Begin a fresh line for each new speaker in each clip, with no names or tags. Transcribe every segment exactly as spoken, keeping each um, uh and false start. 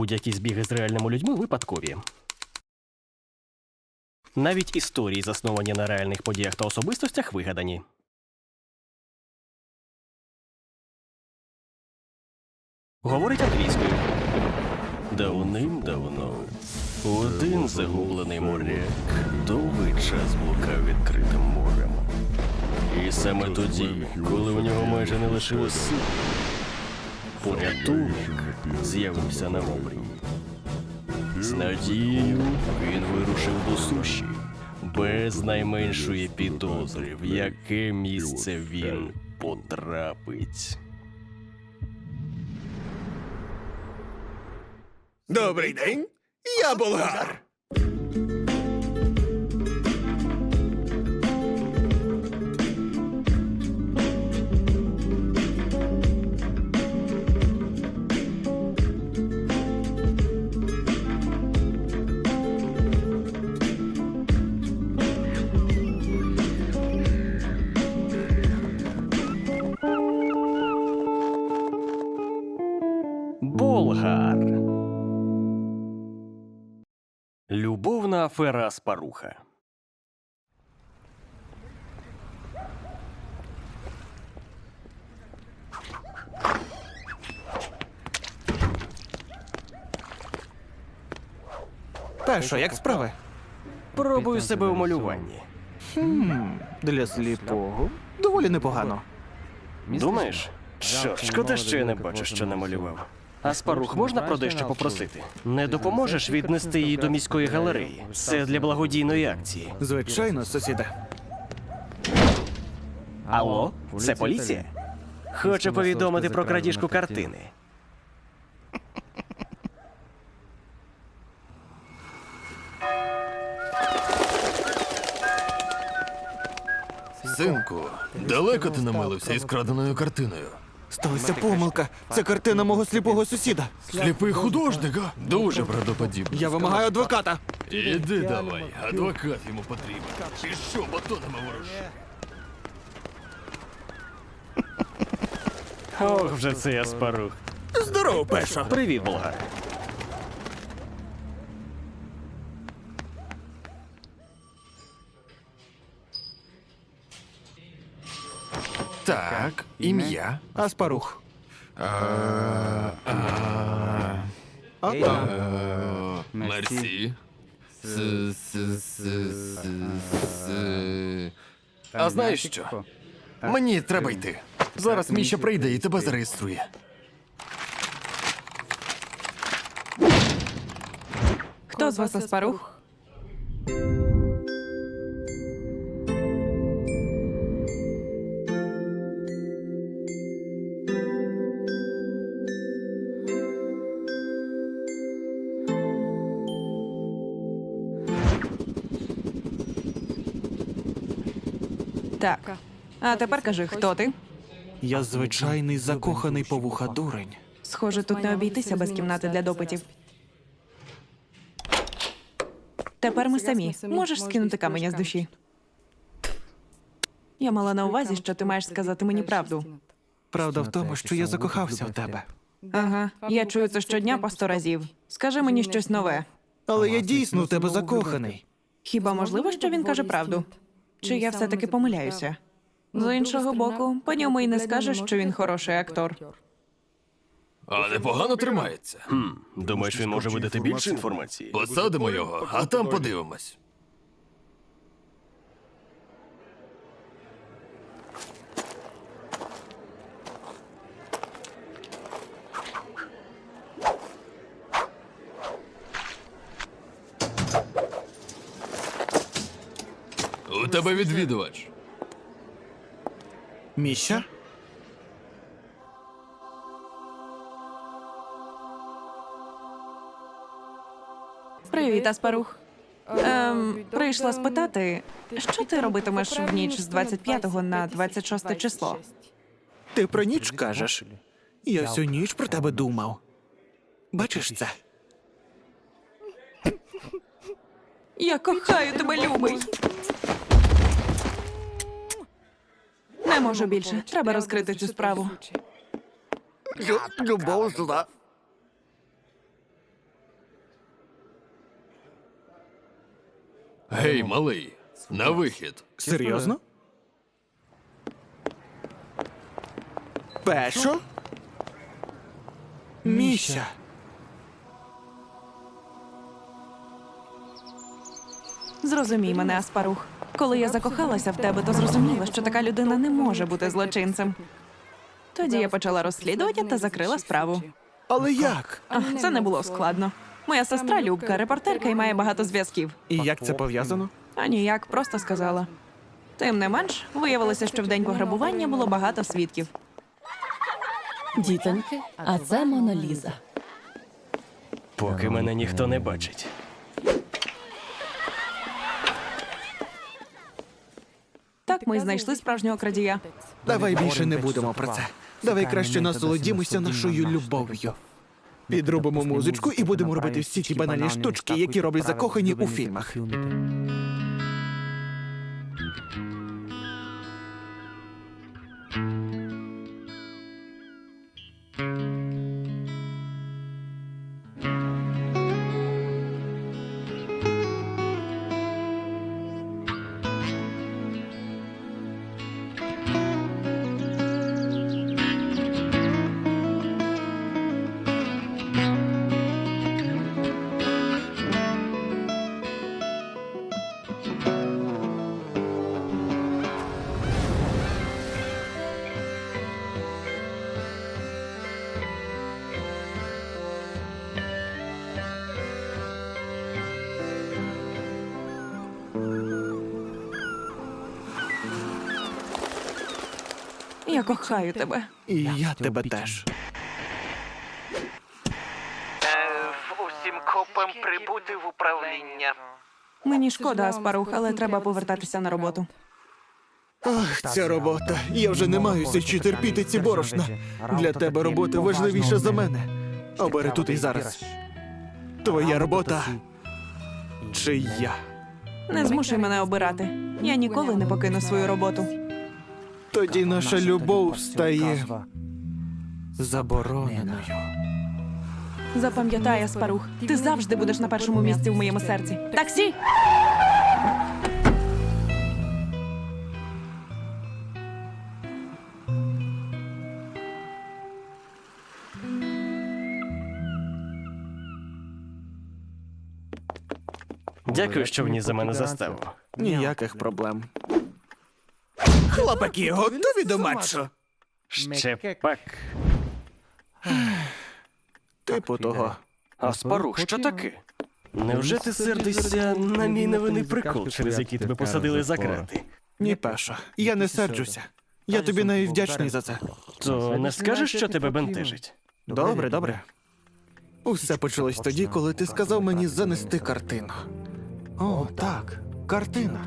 Будь-які збіги з реальними людьми випадкові. Навіть історії, засновані на реальних подіях та особистостях, вигадані. Говорить англійською. Давним-давно один загублений моряк довгий час блукав відкритим морем. І саме тоді, коли у нього майже не лишилось сил, порятунок з'явився на морі. З надією він вирушив до суші, без найменшої підозри, в яке місце він потрапить.
Добрий день, я Болгар.
Болгар. Любовна афера Аспаруха.
Та що, як справи?
Пробую себе у малюванні.
Хм, для сліпого доволі непогано.
Думаєш? Що, шкода, що я не бачу, що намалював. Аспарух, можна про дещо попросити? Не допоможеш віднести її до міської галереї? Це для благодійної акції.
Звичайно, сусіде.
Алло? Це поліція? Хочу повідомити про крадіжку картини.
Синку, далеко ти намилився із краденою картиною?
Сталася помилка. Це картина мого сліпого сусіда.
Сліпий художник, а? Дуже правдоподібно.
Я вимагаю адвоката.
Іди давай, адвокат йому потрібен. Ти що, батонами ворушиш?
Ох, вже цей Аспарух.
Здорово, Пешо.
Привіт, Болгар.
Так, ім'я.
Аспарух.
А, а,
А там.
а, Мерсі. С, с, с, с, с. А знаєш що? Мені треба йти. Зараз Міша прийде і тебе зареєструє.
Хто з вас Аспарух? Так. А тепер кажи, хто ти?
Я звичайний закоханий по вуха дурень.
Схоже, тут не обійтися без кімнати для допитів. Тепер ми самі. Можеш скинути каменя з душі? Я мала на увазі, що ти маєш сказати мені правду.
Правда в тому, що я закохався в тебе.
Ага, я чую це щодня по сто разів. Скажи мені щось нове.
Але я дійсно в тебе закоханий.
Хіба можливо, що він каже правду? Чи я все-таки помиляюся? З іншого боку, по ньому і не скажеш, що він хороший актор.
А непогано тримається.
Хм, думаєш, він може видати більше інформації?
Посадимо його, а там подивимось. У тебе відвідувач.
Міша?
Привіт, Аспарух. Ем, прийшла спитати, що ти робитимеш в ніч з двадцять п'ятого на двадцять шосте число?
Ти про ніч кажеш? Я всю ніч про тебе думав. Бачиш це?
Я кохаю тебе, любий. Не можу більше. Треба розкрити цю справу.
Любов зла. Гей, малий, на вихід.
Серйозно? Пешо? Міша.
Зрозумій мене, Аспарух. Коли я закохалася в тебе, то зрозуміла, що така людина не може бути злочинцем. Тоді я почала розслідування та закрила справу.
Але як?
Ах, це не було складно. Моя сестра Любка, репортерка і має багато зв'язків.
І як це пов'язано?
А ніяк, просто сказала. Тим не менш, виявилося, що в день пограбування було багато свідків.
Дітоньки, а це Моноліза.
Поки мене ніхто не бачить.
Так ми й знайшли справжнього крадія.
Давай більше не будемо про це. Давай краще насолодімося нашою любов'ю. Підробимо музичку і будемо робити всі ті банальні штучки, які роблять закохані у фільмах.
Я кохаю тебе.
І я тебе теж.
Усім копам прибути в управління.
Мені шкода, Аспарух, але треба повертатися на роботу.
Ах, ця робота. Я вже не маю січі терпіти ці борошна. Для тебе робота важливіша за мене. Обери тут і зараз. Твоя робота чи я?
Не змушуй мене обирати. Я ніколи не покину свою роботу.
Тоді наша любов стає забороненою.
Запам'ятай, Аспарух, ти завжди будеш на першому місці в моєму серці. Таксі!
Дякую, що вніс за мене заставу.
Ніяких проблем. Хлопаки, готові до матчу?
Ще пак.
Типу того.
Аспарух, що таке? Невже ти сердишся на мій невинний прикол, через який тебе посадили за крати?
Ні, Пешо, я не серджуся. Я тобі навіть вдячний за це.
То не скажеш, що тебе бентежить?
Добре, добре. Усе почалось тоді, коли ти сказав мені занести картину. О, так, картина.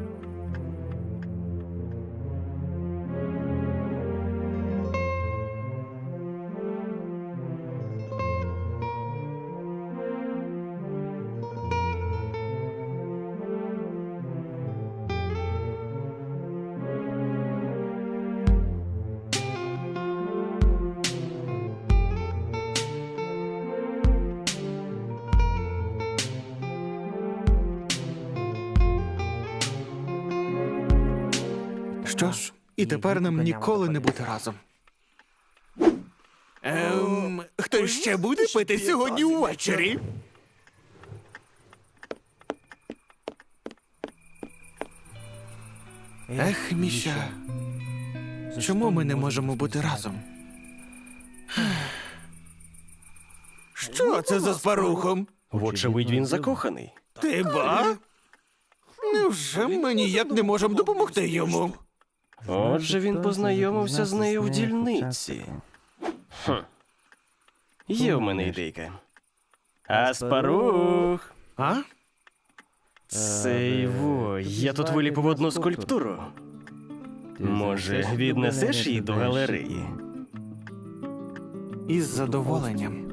Що ж, і тепер нам ніколи не бути разом. Ем, хтось ще буде пити сьогодні увечері? Ех, Міша, чому ми не можемо бути разом? Що це за спарухом?
Вочевидь, він закоханий.
Ти ба? Невже ми ніяк не можемо допомогти йому?
Отже, він познайомився з нею в дільниці. Хм. Є в мене ідейка. Аспарух!
А?
Це його. Я тут виліпив одну скульптуру. Може, віднесеш її до галереї?
Із задоволенням.